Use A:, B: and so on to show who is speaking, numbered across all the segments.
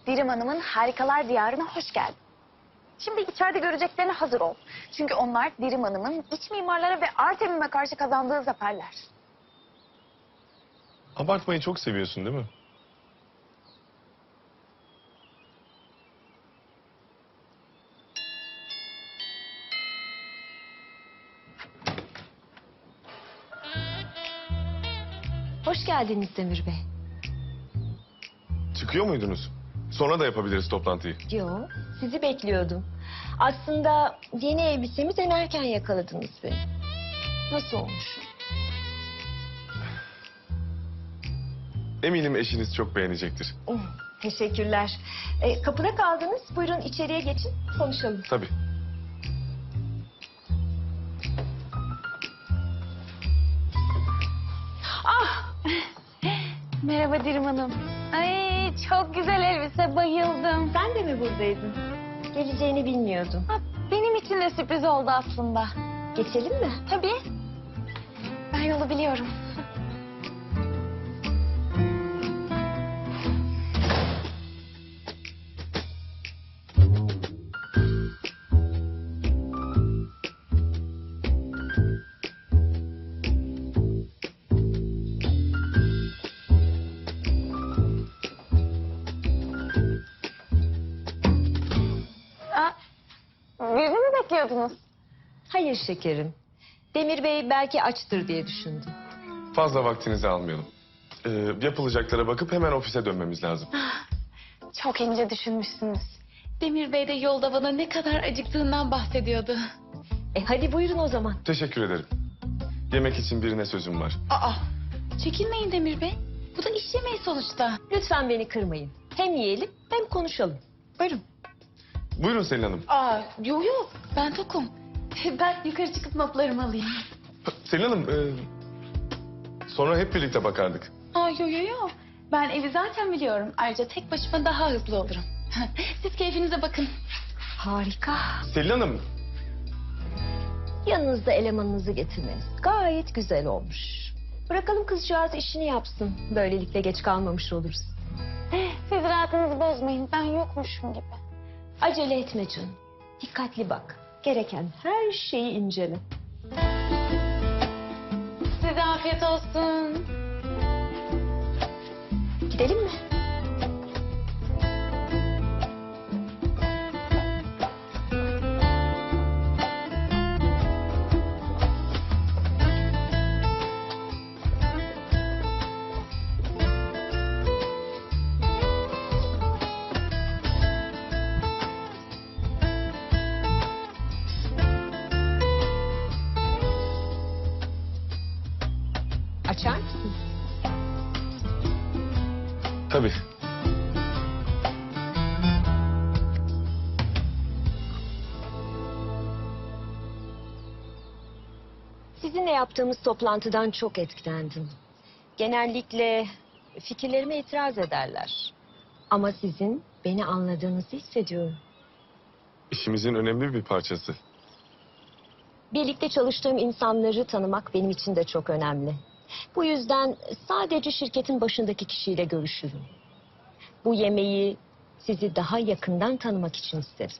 A: Dirim Hanım'ın Harikalar Diyarı'na hoş geldin. Şimdi içeride göreceklerine hazır ol. Çünkü onlar Dirim Hanım'ın iç mimarlara ve Artemim'e karşı kazandığı zaferler.
B: Abartmayı çok seviyorsun değil mi?
C: Hoş geldiniz Demir Bey.
B: Çıkıyor muydunuz? Sonra da yapabiliriz toplantıyı.
C: Yo, sizi bekliyordum. Aslında yeni elbisemi denerken yakaladınız beni. Nasıl olmuş?
B: Eminim eşiniz çok beğenecektir.
C: Teşekkürler. Kapıda kaldınız. Buyurun içeriye geçin, konuşalım.
B: Tabii.
A: Merhaba Dirim Hanım. Ay çok güzel elbise, bayıldım.
C: Sen de mi buradaydın? Geleceğini bilmiyordum.
A: Ha, benim için de sürpriz oldu aslında.
C: Geçelim mi?
A: Tabii. Ben yolu biliyorum. Birini mi bekliyordunuz?
C: Hayır şekerim. Demir Bey belki açtır diye düşündüm.
B: Fazla vaktinizi almayalım. Yapılacaklara bakıp hemen ofise dönmemiz lazım.
A: Çok ince düşünmüşsünüz.
D: Demir Bey de yolda bana ne kadar acıktığından bahsediyordu.
C: Hadi buyurun o zaman.
B: Teşekkür ederim. Yemek için birine sözüm var.
D: Aa, çekinmeyin Demir Bey. Bu da iş yemeği sonuçta.
C: Lütfen beni kırmayın. Hem yiyelim hem konuşalım. Buyurun.
B: Buyurun Selin Hanım.
D: Aa, yo yo, ben tokum. Ben yukarı çıkıp notlarımı alayım.
B: Selin Hanım, sonra hep birlikte bakardık.
D: Aa, yo yo yo. Ben evi zaten biliyorum. Ayrıca tek başıma daha hızlı olurum. Siz keyfinize bakın.
C: Harika.
B: Selin Hanım,
C: Yanınızda elemanınızı getirmeniz gayet güzel olmuş. Bırakalım kızcağız işini yapsın. Böylelikle geç kalmamış oluruz.
A: Siz rahatınızı bozmayın. Ben yokmuşum gibi.
C: Acele etme canım. Dikkatli bak. Gereken her şeyi incele.
D: Size afiyet olsun.
C: Gidelim mi? Açar mısın?
B: tabii.
C: Sizinle yaptığımız toplantıdan çok etkilendim. Genellikle fikirlerime itiraz ederler. Ama sizin beni anladığınızı hissediyorum.
B: İşimizin önemli bir parçası.
C: Birlikte çalıştığım insanları tanımak benim için de çok önemli. Bu yüzden sadece şirketin başındaki kişiyle görüşürüm. Bu yemeği sizi daha yakından tanımak için isterim.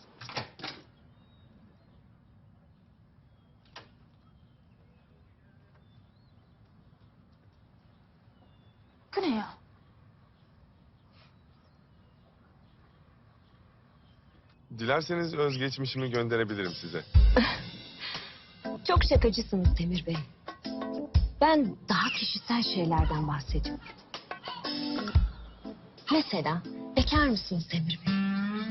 A: Bu ne ya?
B: Dilerseniz özgeçmişimi gönderebilirim size.
C: Çok şakacısınız Demir Bey. Ben daha kişisel şeylerden bahsediyorum. Mesela bekar mısınız Demir Bey?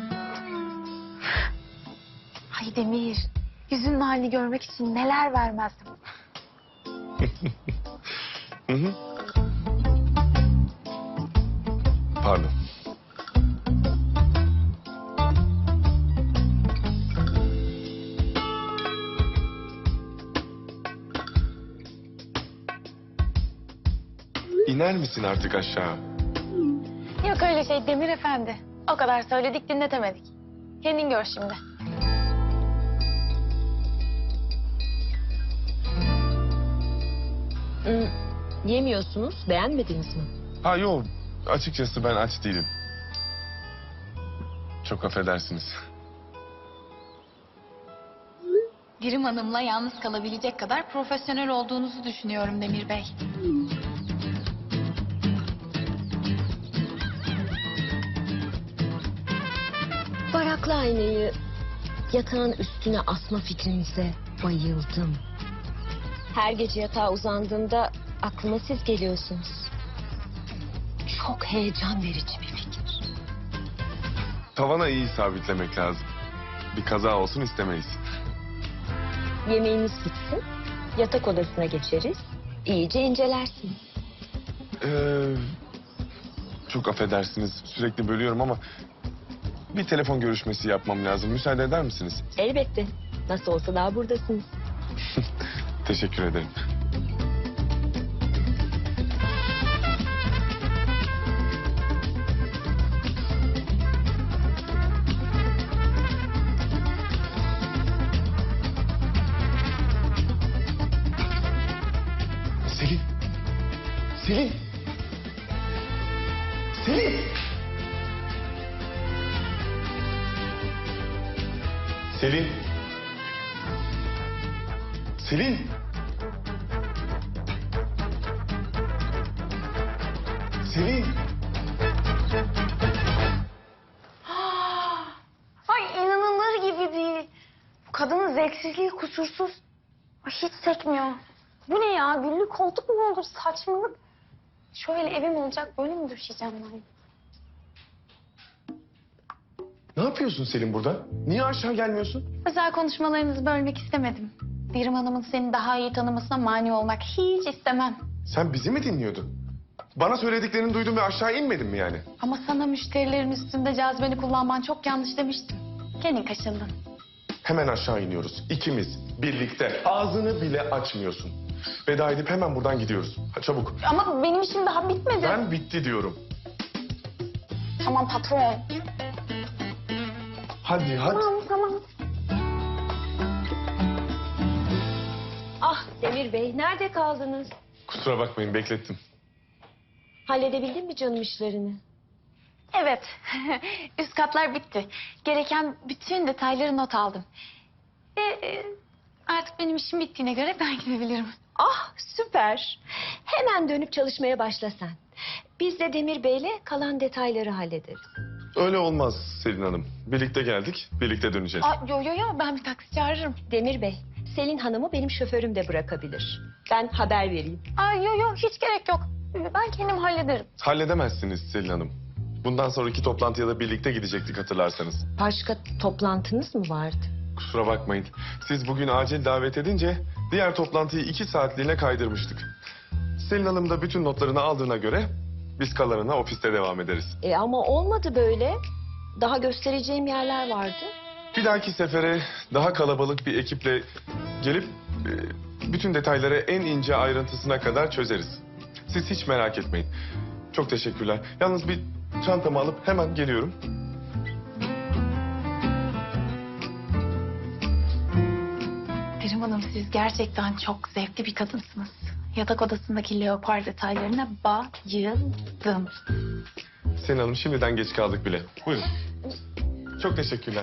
A: Ay Demir, yüzünün halini görmek için neler vermezdim.
B: Hı hı. Pardon. İner misin artık aşağı?
A: Yok öyle şey Demir Efendi. O kadar söyledik dinletemedik. Kendin gör şimdi.
C: Yemiyorsunuz, beğenmediniz mi?
B: Ha yok, açıkçası ben aç değilim. Çok affedersiniz.
D: Dirim Hanım'la yalnız kalabilecek kadar profesyonel olduğunuzu düşünüyorum Demir Bey.
C: Varaklı aynayı yatağın üstüne asma fikrinize bayıldım. Her gece yatağa uzandığımda aklıma siz geliyorsunuz. Çok heyecan verici bir fikir.
B: Tavana iyi sabitlemek lazım. Bir kaza olsun istemeyiz.
C: Yemeğimiz bitsin, yatak odasına geçeriz, iyice incelersiniz.
B: Çok affedersiniz. Sürekli bölüyorum ama bir telefon görüşmesi yapmam lazım. Müsaade eder misiniz?
C: Elbette, nasıl olsa daha buradasınız.
B: Teşekkür ederim. Selin. Selin. Selin. Selin. Selin. Selin.
A: Ay inanılır gibi değil. Bu kadının zevksizliği kusursuz. Ay, hiç sekmiyor. Bu ne ya? Güllü koltuk mu olur? Saçmalık. Şöyle evim olacak, böyle mi düşeceğim ben?
B: Ne yapıyorsun Selin burada? Niye aşağı gelmiyorsun?
D: Özel konuşmalarınızı bölmek istemedim. Dirim Hanım'ın seni daha iyi tanımasına mani olmak hiç istemem.
B: Sen bizi mi dinliyordun? Bana söylediklerini duydum ve aşağı inmedin mi yani?
D: Ama sana müşterilerin üstünde cazibeni kullanman çok yanlış demiştim. Kendin kaşındın.
B: Hemen aşağı iniyoruz. İkimiz birlikte. Ağzını bile açmıyorsun. Veda edip hemen buradan gidiyoruz. Ha, çabuk.
A: Ama benim işim daha bitmedi.
B: Ben bitti diyorum.
A: Tamam patron.
B: Hadi hadi.
A: Tamam.
C: Ah Demir Bey, nerede kaldınız?
B: Kusura bakmayın beklettim.
C: Halledebildin mi canım işlerini?
D: Evet, üst katlar bitti. Gereken bütün detayları not aldım. Ve artık benim işim bittiğine göre ben gidebilirim.
C: Ah süper. Hemen dönüp çalışmaya başla sen. Biz de Demir Bey'le kalan detayları hallederiz.
B: Öyle olmaz Selin Hanım. Birlikte geldik, birlikte döneceğiz.
D: Aa, yo, ben bir taksi çağırırım.
C: Demir Bey, Selin Hanım'ı benim şoförüm de bırakabilir. Ben haber vereyim.
A: Aa, yo, hiç gerek yok. Ben kendim hallederim.
B: Halledemezsiniz Selin Hanım. Bundan sonraki toplantıya da birlikte gidecektik hatırlarsanız.
C: Başka toplantınız mı vardı?
B: Kusura bakmayın. Siz bugün acil davet edince diğer toplantıyı 2 saatliğine kaydırmıştık. Selin Hanım da bütün notlarını aldığına göre biz kalanına ofiste devam ederiz.
C: Ama olmadı böyle. Daha göstereceğim yerler vardı.
B: Bir dahaki sefere daha kalabalık bir ekiple gelip bütün detayları en ince ayrıntısına kadar çözeriz. Siz hiç merak etmeyin. Çok teşekkürler. Yalnız bir çantamı alıp hemen geliyorum.
D: Dirim Hanım, siz gerçekten çok zevkli bir kadınsınız. Yatak odasındaki leopar detaylarına bayıldım.
B: Selin Hanım şimdiden geç kaldık bile. Buyurun. Çok teşekkürler.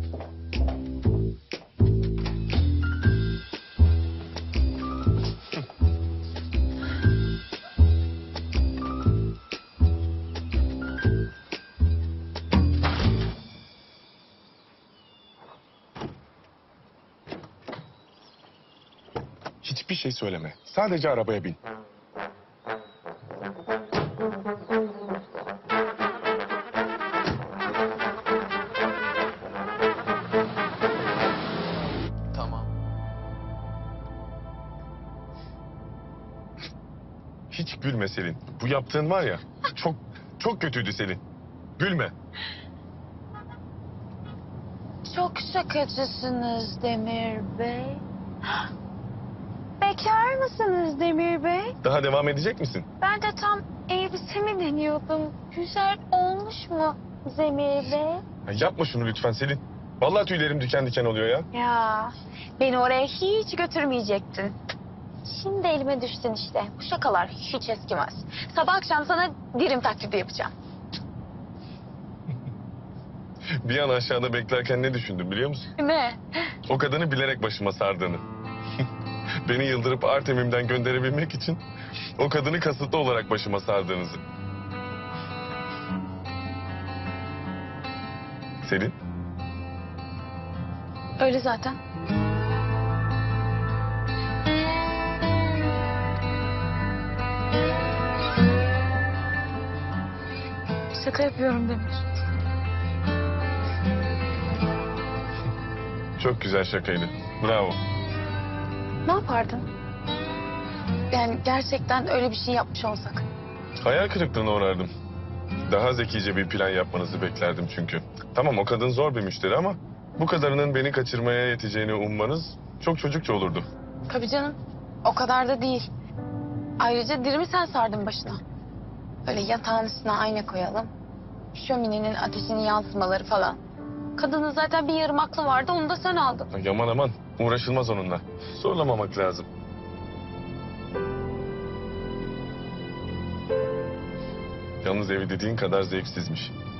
B: Hiçbir şey söyleme. Sadece arabaya bin.
E: Tamam.
B: Hiç gülme Selin. Bu yaptığın var ya çok kötüydü Selin. Gülme.
A: Çok şakacısınız Demir Bey. Bekar mısınız Demir Bey?
B: Daha devam edecek misin?
A: Ben de tam elbisemi deniyordum. Güzel olmuş mu Demir Bey?
B: Ya yapma şunu lütfen Selin. Vallahi tüylerim diken diken oluyor ya.
A: Ya beni oraya hiç götürmeyecektin. Şimdi elime düştün işte. Bu şakalar hiç eskimez. Sabah akşam sana dirim taklidi yapacağım.
B: Bir an aşağıda beklerken ne düşündüm biliyor musun?
D: Ne?
B: O kadını bilerek başıma sardığını. Beni yıldırıp Artemim'den gönderebilmek için o kadını kasıtlı olarak başıma sardığınızı. Selin,
D: Öyle zaten. Şaka yapıyorum Demir.
B: çok güzel şakaydı. Bravo.
D: Ne yapardın? Yani gerçekten öyle bir şey yapmış olsak.
B: Hayal kırıklığına uğrardım. Daha zekice bir plan yapmanızı beklerdim çünkü. Tamam, o kadın zor bir müşteri ama bu kadarının beni kaçırmaya yeteceğini ummanız çok çocukça olurdu.
D: Tabii canım. O kadar da değil. Ayrıca dirimi sen sardın başına. Böyle yatağın üstüne ayna koyalım. Şöminenin ateşinin yansımaları falan. Kadının zaten bir yarım aklı vardı, onu da sen aldın.
B: Ay, aman aman, uğraşılmaz onunla. Zorlamamak lazım. Yalnız evi dediğin kadar zevksizmiş.